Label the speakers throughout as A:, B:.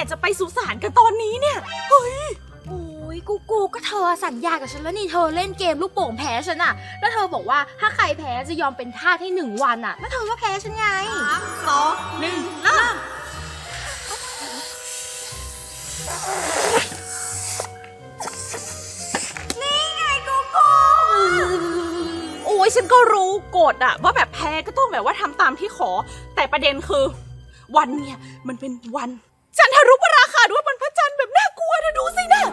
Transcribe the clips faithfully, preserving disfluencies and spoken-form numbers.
A: กจะไปสุสานกันตอนนี้เนี่ยเฮ้ย
B: โอ้ยกูกูก็เธอสัญญากับฉันแล้วนี่เธอเล่นเกมลูกโป่งแพ้ฉันอะแล้วเธอบอกว่าถ้าใครแพ้จะยอมเป็นทาสให้หนึ่งวันอะแล้วเธอก็แพ้ฉันไง
A: สามสองหนึ่งเริ่มนี่ไงกูกูโอ้ยฉันก็รู้กฎอะว่าแบบแพ้ก็ต้องแบบว่าทำตามที่ขอแต่ประเด็นคือวันเนี่ยมันเป็นวันจันทรุปราคาด้วยวันพระจันทร์แบบน่ากลัวเธอดูสินะ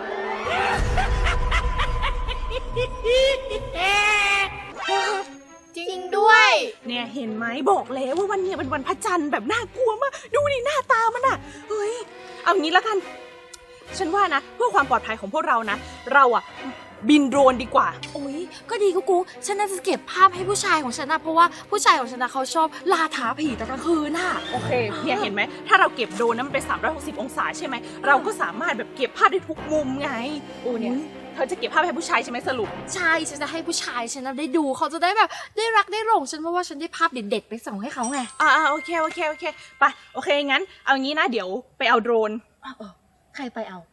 B: จริงด้วย
A: เนี่ยเห็นไหมบอกแล้วว่าวันนี้เป็นวันพระจันทร์แบบน่ากลัวมากดูดิหน้าตามันอะเฮ้ยเอางี้แล้วกันฉันว่านะเพื่อความปลอดภัยของพวกเรานะเราอะบินโดรนดีกว่า
B: โอ้ยก็ดีกูกูฉันน่าจะเก็บภาพให้ผู้ชายของฉันนะเพราะว่าผู้ชายของฉันนะเขาชอบล่าท้าผีตอนกลางคืนน่ะ
A: โอเคเนี่ยเห็นไหมถ้าเราเก็บโดรนนั้นเป็นสามร้อยหกสิบองศาใช่ไหมเราก็สามารถแบบเก็บภาพได้ทุกมุมไงโอ้เนี่ยเธอจะเก็บภาพให้ผู้ชายใช่ไหมสรุป
B: ใช่ฉันจะให้ผู้ชายฉันได้ดูเขาจะได้แบบได้รักได้หลงฉันเพราะว่าฉันได้ภาพเด็ดๆไปส่งให้เขาไง
A: อ่าโอเคโอเคโอเคไปโอเคงั้นเอางี้นะเดี๋ยวไปเอาโดรน
B: ใครไปเอา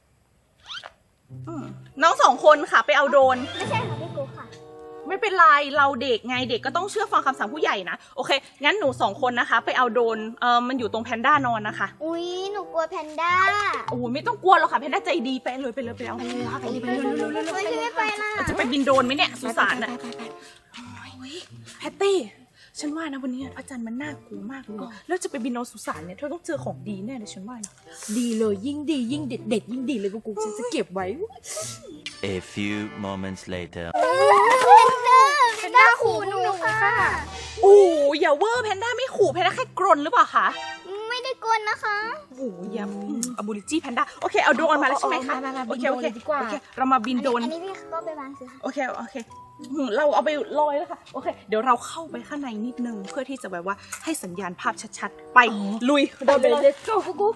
A: น้องสองคนค่ะไปเอาโดรน
C: ไม่ใช่ค่ะพี่กูค่ะ
A: ไม่เป็นไรเราเด็กไงเด็กก็ต้องเชื่อฟังคำสั่งผู้ใหญ่นะโอเคงั้นหนูสองคนนะคะไปเอาโดรนเออมันอยู่ตรงแพนด้านอนนะคะ
C: อุ้ยหนูกลัวแพนด้า
A: โอ้ไม่ต้องกลัวหรอกค่ะแพนด้าใจดีไปเลยไปเลยไปเอา
B: ไปเลยค่ะไปเลยไปเลย
C: ไม่ใช่ไม่ไปนะ
A: จะไปบินโดรนไหมเนี่ยสุสานอะแพตตี้ฉันว่านะวันนี้พระจันทร์มันน่ากลัวมากเลยแล้วจะไปบินโดรนสุสานเนี่ยเธอต้องเจอของดีแน่เลยฉันว่านะ
B: ดีเลยยิ่งดียิ่งเด็ดเด็ดยิ่งดีเลยกูกูฉันจะเก็บไว้
D: A few moments later
C: แพนด้าขู่หนูค่ะ
A: โอ้อย่าเวอร์แพนด้าไม่ขู่แพนด้าแค่กรนหรือเปล่าคะ
C: ไม่ได้กลนะคะ
A: โอ้อย่าอบูริจี้แพนด้าโอเคเอาโดรนมาแล้วใช่ไหมคะโอเคโอเคดีกว่าเรามาบินโดรน
C: อันนี้พี่ก็ไปวางสิ
A: โอเคโอเคเราเอาไปลอยแล้วค่ะโอเคเดี๋ยวเราเข้าไปข้างในนิดนึงเพื่อที่จะแบบว่าให้สัญญาณภาพชัดๆไปลุย
B: เดินไปเลยโก้กู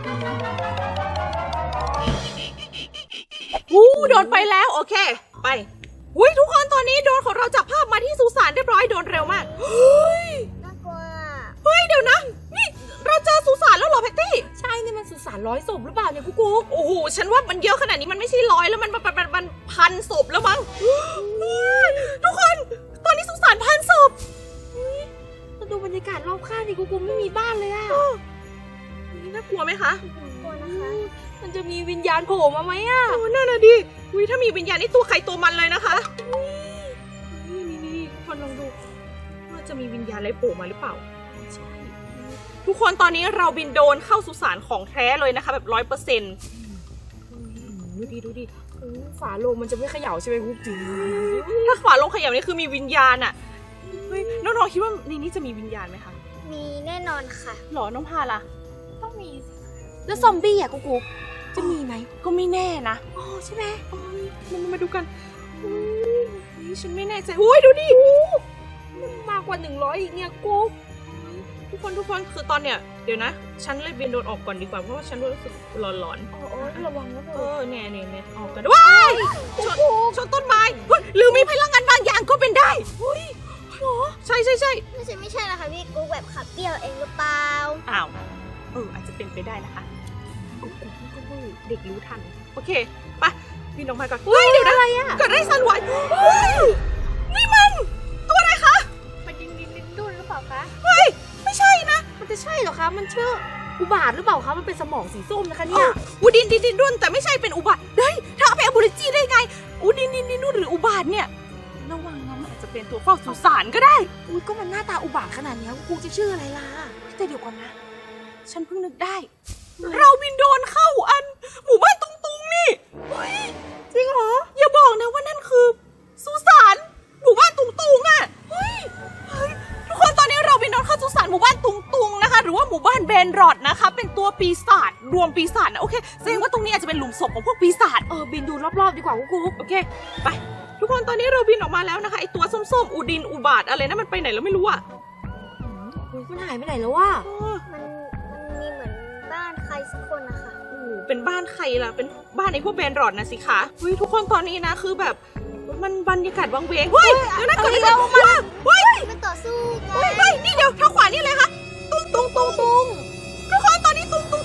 A: วู้โดนไปแล้วโอเคไปอุ้ยทุกคนตอนนี้โดรนของเราจับภาพมาที่สุสานเรียบร้อยโดนเร็วมากเฮ้ย
C: น่ากลัว
A: เฮ้ยเดี๋ยวนะนี่เราเจอสุสานแล้วเหรอแพตตี้
B: ใช่นี่มันสุสานร้อยศพหรือเปล่าเนี่ยกูกู
A: โอ้โหฉันว่ามันเยอะขนาดนี้มันไม่ใช่ร้อยแล้วมันมันมันพันศพแล้วมั้งทุกคนตอนนี้สุสานพันศพ
B: มาดูบรรยากาศรอบข้างดิกูกูไม่มีบ้านเลยอ่ะ
A: น่ากลัวไหมคะ
C: กลัวนะคะ
B: มันจะมีวิญญาณโผล่มาไหมอ่ะ
A: โอ้นั่นน่ะดิวิถ้ามีวิญญาณนี่ตัวใครตัวมันเลยนะคะนี่นี่นี่คนลองดูว่าจะมีวิญญาณอะไรโผล่มาหรือเปล่าใช่ทุกคนตอนนี้เราบินโดรนเข้าสุสานของแท้เลยนะคะแบบร้อยเปอร์เซ็นต์
B: ดูดิดูดิฝาโลงมันจะไม่เขย่าใช่ไหมกุ๊กจี
A: ถ้าฝาโลงเขย่านี่คือมีวิญญาณอ่ะเฮ้ยน้องๆคิดว่าในนี้จะมีวิญญาณไหมคะ
C: มีแน่นอนค่ะ
A: หรอน้องพาล่ะ
C: ต้องมี
B: แล้วซอมบี้อ่ะกุ๊กจะมีไหม
A: ก็ไม่แน่นะ
B: อ๋อใช่ไหม
A: มันมาดูกันฉันไม่แน่ใจโอ้ยดูดิ
B: มันมากกว่าหนึ่งร้อยอีกเนี่ยกุ๊ก
A: ทุกคนทุกคนคือตอนเนี้ยเดี๋ยวนะฉันเลยบินโดรนออกก่อนดีกว่าเพราะว่าฉันรู้สึกหลอน
B: ๆอ๋อระวังนะ
A: เออเนี่ยเนี่ยเนี่ยออกกันว้ายชนชนต้นไม้หรือมีพลังงานบางอย่างก็เป็นได้เฮ้ยใช่ใช่ใช่
C: ไม่ใช่ไม่ใช่นะคะพี่กูแบบขับเปี้ยวเองหรือเปล่า
A: อ้าวเอออาจจะเป็นไปได้นะคะเด็กรู้ทันโอเคไปบินลงไปก่อนเฮ้ยเดี๋ยวอะไรอ่ะเกิดอะไรสั่นไหวนี่มันตัวอะไรคะ
C: มันดินดินดินดุนหรือเปล่าคะ
A: เฮ้ยไม่ใช่นะ
B: มันจะใช่เหรอคะมันชื่ออุบาทหรือเปล่าคะมันเป็นสมองสีส้มนะคะเนี่ย
A: อูดินดินดินดุนแต่ไม่ใช่เป็นอุบาทเฮ้ยถ้าเอาไปอบูริจี้ได้ไงอูดินดินดินดุนหรืออุบาทเนี่ยระวังนะมันอาจจะเป็นตัวเฝ้าสุสานก็ได้
B: อุ้ยก็มันหน้าตาอุบาทขนาดนี้กูจะชื่ออะไรล่ะ
A: แต่เดี๋ยวก่อนนะฉันเพิ่งนึกได้เราบินโดรนเข้าอันหมู่บ้านตุงตุงนี่เฮ้ยจริงเหรออย่าบอกนะว่านั่นคือสุสานหมู่บ้านตุงตุงอ่ะเฮ้ยเฮ้ยทุกคนตอนนี้เราบินโดรนเข้าสุสานหมู่บ้านตุงตุงนะคะหรือว่าหมู่บ้านเบนรอดนะคะเป็นตัวปีศาจรวมปีศาจนะโอเคแสดงว่าตรงนี้อาจจะเป็นหลุมศพของพวกปีศาจ
B: เออบินดูรอบๆดีกว่ากู
A: โอเคไปทุกคนตอนนี้เราบินออกมาแล้วนะคะไอตัวส้มๆอูดินอุบาทอะไรนะมันไปไหนแล้วไม่รู้อ่ะ
B: มันหายไปไหนแล้ววะ
C: มันมันมีเหมือนบ้านใครสักคนนะคะ
A: โอ้เป็นบ้านใครล่ะเป็นบ้านไอ้พวกแบนรอดนะสิคะเฮ้ยทุกคนตอนนี้นะคือแบบมันบรรยากาศวังเวงเฮ้ยเดี๋ยวนะเกิดอะไรขึ้นว้าเฮ้ย
C: มันต่อสู้กัน
A: เฮ้ยนี่เดี๋ยวทางขวานี่เลยค่ะตุ้งตุ้งตุ้งตุ้งทุกคนตอนนี้ตุ้งตุ้งตุ้งกับ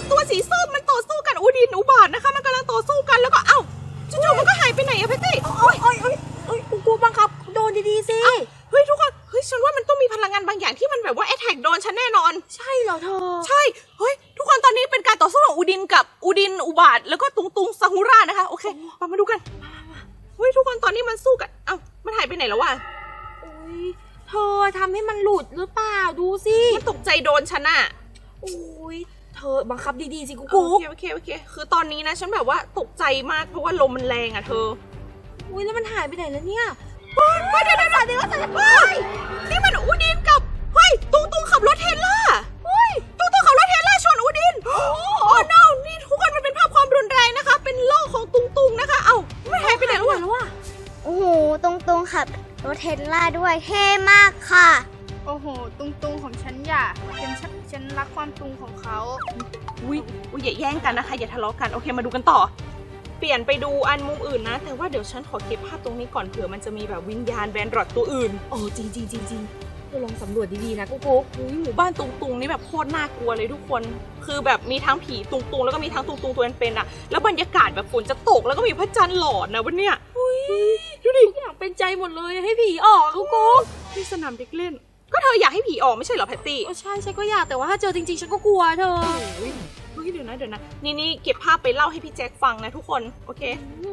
A: ตัวสีส้มมันต่อสู้กันอูดินอุบาทนะคะมันกำลังต่อสู้กันแล้วก็เอ้าจู่ๆมันก็หายไปไหนอะแพตตี้
B: โอ้ยโอ้ยโอ้ยโอ้ยกูบังคับโดนดีๆสิ
A: เฮ้ยทุกคนเฮ้ยฉันว่ามันต้องมีพลังงานบางอย่างที่มันแบบว่าแอทแทกโดนฉันแน่นอน
B: ใช่เหรอเธอ
A: ใช่เฮ้ยทุกคนตอนนี้เป็นการต่อสู้ของอูดินกับอูดินอุบาทแล้วก็ตุงตุงซาฮูรานะคะโอเคมามาดูกันเฮ้ยทุกคนตอนนี้มันสู้กันเอ้ามันหายไปไหนแล้ววะ
B: อุ้ยเธอทำให้มันหลุดหรือเปล่าดูสิ
A: มันตกใจโดนฉันอะ
B: อุ้ยเธอบังคับดีๆสิกู
A: โอ
B: กู
A: เคโอเคโอเคคือตอนนี้นะฉันแบบว่าตกใจมากเพราะว่าลมมันแรงอะเธอ
B: อุ้ยแล้วมันหายไปไหนแล้วเนี่ย
A: เฮ้ยเดี๋ยวเดี๋ยวเดี๋ยวเดี๋ยวเฮ้ยนี่มันอูดินกับเฮ้ยตุงตุงขับรถเทรลล่าเฮ้ยตุงตุงขับรถเทรลล่าชนอูดินโอ้โอ้ no นี่ทุกคนมันเป็นภาพความรุนแรงนะคะ เป็นโลกของตุงตุงนะคะเอ้าไม่หายไปไหนแล้ววะ
B: แล้ววะ
C: โอ้โห ตรงๆขับรถเทสลาด้วยเท่มากค่ะ
E: โอ้โห ตุงตุงของฉันอย่าฉันชักฉันรักความตุงของเขา
A: อุ้ยอุ้ยอย่าแย่งกันนะคะอย่าทะเลาะกันโอเคมาดูกันต่อ เปลี่ยนไปดูอันมุมอื่นนะ แต่ว่าเดี๋ยวฉันขอเก็บภาพตรงนี้ก่อนเผื่อมันจะมีแบบวิญญาณแบนรอดตัวอื่น
B: โอ้จริงจริงจริงจริงเธอลองสำรวจดีๆนะกูกู
A: อุ้ยหมู่บ้านตุงตุงนี่แบบโคตรน่ากลัวเลยทุกคน คือแบบมีทั้งผีตุงตุงแล้วก็มีทั้งตุงตุงตัวเป็นๆอะแล้วบรรยากาศแบบฝนจะตกแล้วก็มีพระจันทร์หลอดนะวันเนี้ย
B: ดูดิทุกอย่างเป็นใจหมดเลยให้ผีออกกูกู
A: ที่สนามเด็กเล่น ก็เธออยากให้ผีออกไม่ใช่เหรอแพตตี้
B: โอ้ใช่ฉันก็อยากแต่ว่าถ้าเจอจริงๆฉันก็กลัวเธอ
A: เฮ้ยเดี๋ยวนะเดี๋ยวนะนี่นี่เก็บภาพไปเล่าให้พี่แจ็คฟังนะทุกคนโอเค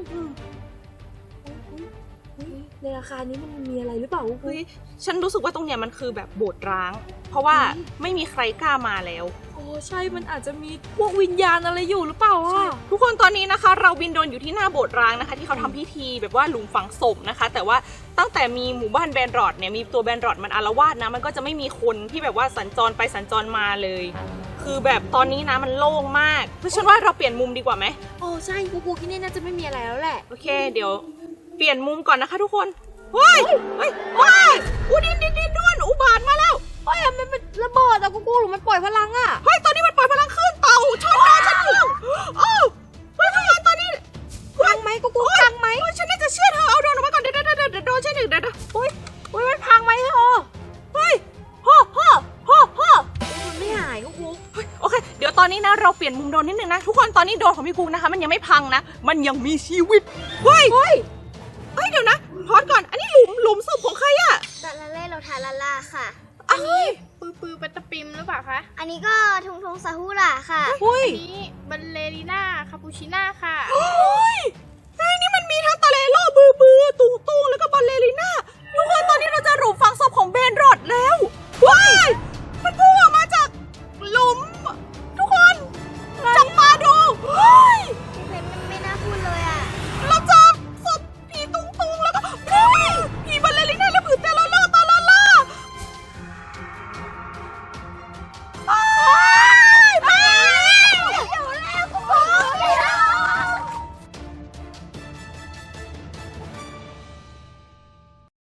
B: ในอาคารนี้มันมีอะไรหรือเปล่ากู
A: เฮ้ยฉันรู้สึกว่าตรงเนี้ยมันคือแบบโบสถ์ร้าง เพราะว่าไม่มีใครกล้ามาแล้ว
B: โอ้ใช่มันอาจจะมีพวกวิญญาณอะไรอยู่หรือเปล่าอ่ะ
A: ทุกคนตอนนี้นะคะ เราบินโดรนอยู่ที่หน้าโบสถ์ร้างนะคะ ที่เขาทำพิธีแบบว่าหลุมฝังศพนะคะ แต่ว่าตั้งแต่มีหมู่บ้านแบนรอดเนี่ยมีตัวแบนรอดมันอาละวาดนะมันก็จะไม่มีคนที่แบบว่าสัญจรไปสัญจรมาเลย คือแบบตอนนี้นะมันโล่งมากเพราะฉันว่าเราเปลี่ยนมุมดีกว่าไหม
B: โอ้ใช่กูกูที่นี่น่าจะไม่มีอะไรแล้วแหละ
A: โอเค เดี๋ยวเปลี่ยนมุมก่อนนะคะ ทุกคนเฮ้ยเฮ้ยว้ายอุดินดินดินด้วนอุบาทมาแล้ว
B: โอ้ยมันเป็นระเบิดอะกูกูหรือมันปล่อยพลังอะ
A: เฮ้ยตอนนี้มันปล่อยพลังคลื่นเต่าชนโดนฉันยิงโอ้เฮ้ยทุกคนตอนนี้
B: พังไหมกูกูพังไหม
A: โอ้ยฉันน่าจะเชื่อเธอเอาโดรนออกมาก่อนเดี๋ยวเดี๋ยวเดี๋ยวเดี๋ยวโดนฉันหนึ่งเดี๋ยวเดี๋ยว
B: โอ้ยโอ้ยมันพังไหมเธอ
A: เฮ้ยฮ่อฮ่อฮ่อฮ่อ
B: มันไม่หายกูกู
A: เฮ้ยโอเค เดี๋ยวตอนนี้นะเราเปลี่ยนมุมโดรนนิดนึงนะ ทุกคนตอนนี้โดรนของพี่กุ๊กนะคะ มันยังไม่พังนะ มันยังมีชีวิต เฮ้ย เฮ้ย เฮ้ย เดี๋ยวนะพอดก่อน อันนี้หลุมหลุมศพของใครอะ
C: ลาลาเล่โรทาลาลาค่ะ
A: อ้าวเฮ้ย
E: ปือปือปัตตะปิมหรือเปล่าคะ
C: อันนี้ก็ทุงทุงซาฮูระค่ะ
A: เฮ้ย
E: อันนี้บัลเลริน่าคาปูชิน่าค่ะ
A: เฮ้ย